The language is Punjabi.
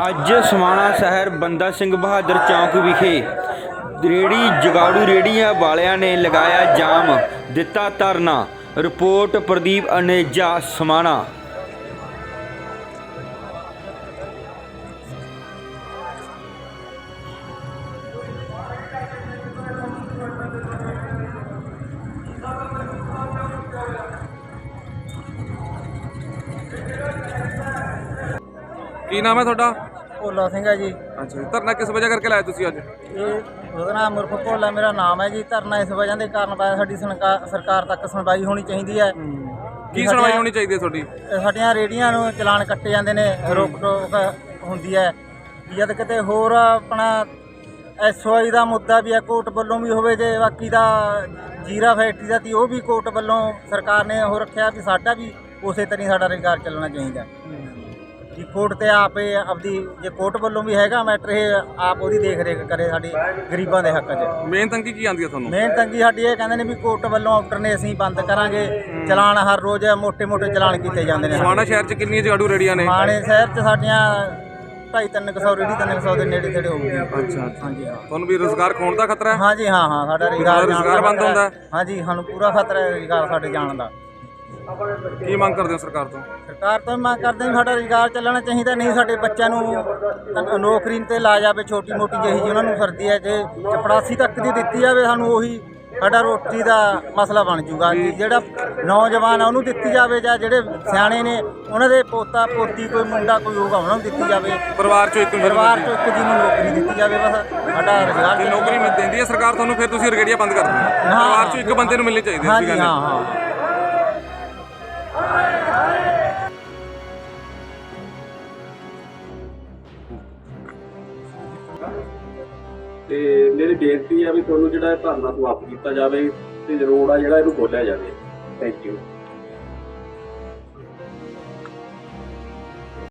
ਅੱਜ ਸਮਾਣਾ ਸ਼ਹਿਰ ਬੰਦਾ ਸਿੰਘ ਬਹਾਦਰ ਚੌਂਕ ਵਿਖੇ ਰੇਹੜੀ ਜਗਾੜੂ ਰੇਹੜੀਆਂ ਵਾਲਿਆਂ ਨੇ ਲਗਾਇਆ ਜਾਮ, ਦਿੱਤਾ ਧਰਨਾ। ਰਿਪੋਰਟ ਪ੍ਰਦੀਪ ਅਨੇਜਾ, ਸਮਾਣਾ। ਕੀ ਨਾਮ ਹੈ ਤੁਹਾਡਾ? ਭੋਲਾ ਸਿੰਘ ਹੈ ਜੀ। ਅੱਛਾ ਜੀ, ਧਰਨਾ ਕਿਸ ਵਜ੍ਹਾ ਕਰਕੇ ਲਾਇਆ ਤੁਸੀਂ ਅੱਜ? ਇਹ ਉਹਦਾ ਨਾਮ ਮੁਰਖ ਭੋਲਾ ਮੇਰਾ ਨਾਮ ਹੈ ਜੀ। ਧਰਨਾ ਇਸ ਵਜ੍ਹਾ ਦੇ ਕਾਰਨ ਪਾਇਆ, ਸਾਡੀ ਸਰਕਾਰ ਤੱਕ ਸੁਣਵਾਈ ਹੋਣੀ ਚਾਹੀਦੀ ਹੈ। ਕੀ ਸੁਣਵਾਈ ਹੋਣੀ ਚਾਹੀਦੀ ਹੈ ਤੁਹਾਡੀ? ਸਾਡੀਆਂ ਰੇਹੜੀਆਂ ਨੂੰ ਚਲਾਨ ਕੱਟੇ ਜਾਂਦੇ ਨੇ, ਰੋਕ ਟੋਕ ਹੁੰਦੀ ਹੈ। ਜਦ ਕਿਤੇ ਹੋਰ ਆਪਣਾ SOI ਦਾ ਮੁੱਦਾ ਵੀ ਹੈ, ਕੋਰਟ ਵੱਲੋਂ ਵੀ ਹੋਵੇ, ਜੇ ਬਾਕੀ ਦਾ ਜੀਰਾ ਫੈਕਟਰੀ ਦਾ ਤੀ ਉਹ ਵੀ ਕੋਰਟ ਵੱਲੋਂ ਸਰਕਾਰ ਨੇ ਉਹ ਰੱਖਿਆ ਵੀ ਸਾਡਾ ਵੀ ਉਸੇ ਤਰ੍ਹਾਂ ਸਾਡਾ ਰੁਜ਼ਗਾਰ ਚੱਲਣਾ ਚਾਹੀਦਾ ਜੀ। ਕੋਰਟ ਤੇ ਆਪੇ ਆਪਦੀ ਜੇ ਕੋਰਟ ਵੱਲੋਂ ਵੀ ਹੈਗਾ ਮੈਟਰ, ਇਹ ਆਪ ਉਹਦੀ ਦੇਖ ਰੇਖ ਕਰੇ ਸਾਡੀ ਗਰੀਬਾਂ ਦੇ ਹੱਕ 'ਚ। ਮੇਨ ਤੰਗੀ ਕੀ ਆਉਂਦੀ ਹੈ ਤੁਹਾਨੂੰ? ਮੇਨ ਤੰਗੀ ਸਾਡੀ ਇਹ ਕਹਿੰਦੇ ਨੇ ਵੀ ਕੋਰਟ ਵੱਲੋਂ ਆਰਡਰ ਨੇ, ਅਸੀਂ ਬੰਦ ਕਰਾਂਗੇ ਚਲਾਨ। ਹਰ ਰੋਜ਼ ਮੋਟੇ ਚਲਾਨ ਕੀਤੇ ਜਾਂਦੇ ਨੇ। ਸਮਾਣਾ ਸ਼ਹਿਰ 'ਚ ਕਿੰਨੀਆਂ ਜਗਾੜੂ ਰੇਹੜੀਆਂ ਨੇ? ਸਮਾਣੇ ਸ਼ਹਿਰ 'ਚ ਸਾਡੀਆਂ 250-300 ਰੇਹੜੀ 300 ਦੇ ਨੇੜੇ ਤੇੜੇ ਹੋਊਗੀ। ਅੱਛਾ ਹਾਂਜੀ ਹਾਂ। ਤੁਹਾਨੂੰ ਵੀ ਰੁਜ਼ਗਾਰ ਖੋਣ ਦਾ ਖਤਰਾ ਹੈ? ਹਾਂਜੀ ਹਾਂ, ਸਾਡਾ ਰੁਜ਼ਗਾਰ ਬੰਦ ਹੁੰਦਾ? ਹਾਂਜੀ, ਸਾਨੂੰ ਪੂਰਾ ਖਤਰਾ ਹੈ ਰੁਜ਼ਗਾਰ ਸਾਡੇ ਜਾਣ ਦਾ। ਕੀ ਮੰਗ ਕਰਦੇ ਹੋ ਸਰਕਾਰ ਤੋਂ? ਸਰਕਾਰ ਤੋਂ ਮੰਗ ਕਰਦੇ ਹਾਂ ਸਾਡਾ ਰੁਜ਼ਗਾਰ ਚੱਲਣਾ ਚਾਹੀਦਾ, ਨਹੀਂ ਸਾਡੇ ਬੱਚਿਆਂ ਨੂੰ ਨੌਕਰੀ ਤੇ ਲਾ ਜਾਵੇ, ਛੋਟੀ ਮੋਟੀ ਜਿਹੀ ਜਿਹੀ ਉਹਨਾਂ ਨੂੰ ਸਰਦੀ ਹੈ, ਜੇ ਚਪੜਾਸੀ ਤੱਕ ਦੀ ਦਿੱਤੀ ਜਾਵੇ ਸਾਨੂੰ, ਉਹੀ ਸਾਡਾ ਰੋਟੀ ਦਾ ਮਸਲਾ ਬਣ ਜੂਗਾ। ਜਿਹੜਾ ਨੌਜਵਾਨ ਆ ਉਹਨੂੰ ਦਿੱਤੀ ਜਾਵੇ, ਜਾਂ ਜਿਹੜੇ ਸਿਆਣੇ ਨੇ ਉਹਨਾਂ ਦੇ ਪੋਤਾ ਪੋਤੀ ਕੋਈ ਮੁੰਡਾ ਕੋਈ ਹੋਊਗਾ ਉਹਨਾਂ ਨੂੰ ਦਿੱਤੀ ਜਾਵੇ। ਪਰਿਵਾਰ 'ਚੋਂ ਇੱਕ ਜੀ ਨੂੰ ਨੌਕਰੀ ਦਿੱਤੀ ਜਾਵੇ, ਬਸ ਸਾਡਾ ਰੁਜ਼ਗਾਰ। ਜੇ ਨੌਕਰੀ ਮਿਲ ਦਿੰਦੀ ਹੈ ਸਰਕਾਰ ਤੁਹਾਨੂੰ, ਫਿਰ ਤੁਸੀਂ ਰੇਹੜੀਆਂ ਬੰਦ ਕਰ ਦਿਓ। ਪਰਿਵਾਰ 'ਚੋਂ ਇੱਕ ਬੰਦੇ ਨੂੰ ਮਿਲਣੀ ਚਾਹੀਦੀ ਹੈ। ਹਾਂਜੀ ਹਾਂ। ਤੇ ਮੇਰੀ ਬੇਨਤੀ ਹੈ ਵੀ ਤੁਹਾਨੂੰ ਜਿਹੜਾ ਧਰਨਾ ਸਮਾਪਤ ਕੀਤਾ ਜਾਵੇ ਤੇ ਰੋਡ ਆ ਜਿਹੜਾ ਇਹਨੂੰ ਖੋਲ੍ਹਿਆ ਜਾਵੇ। Thank you.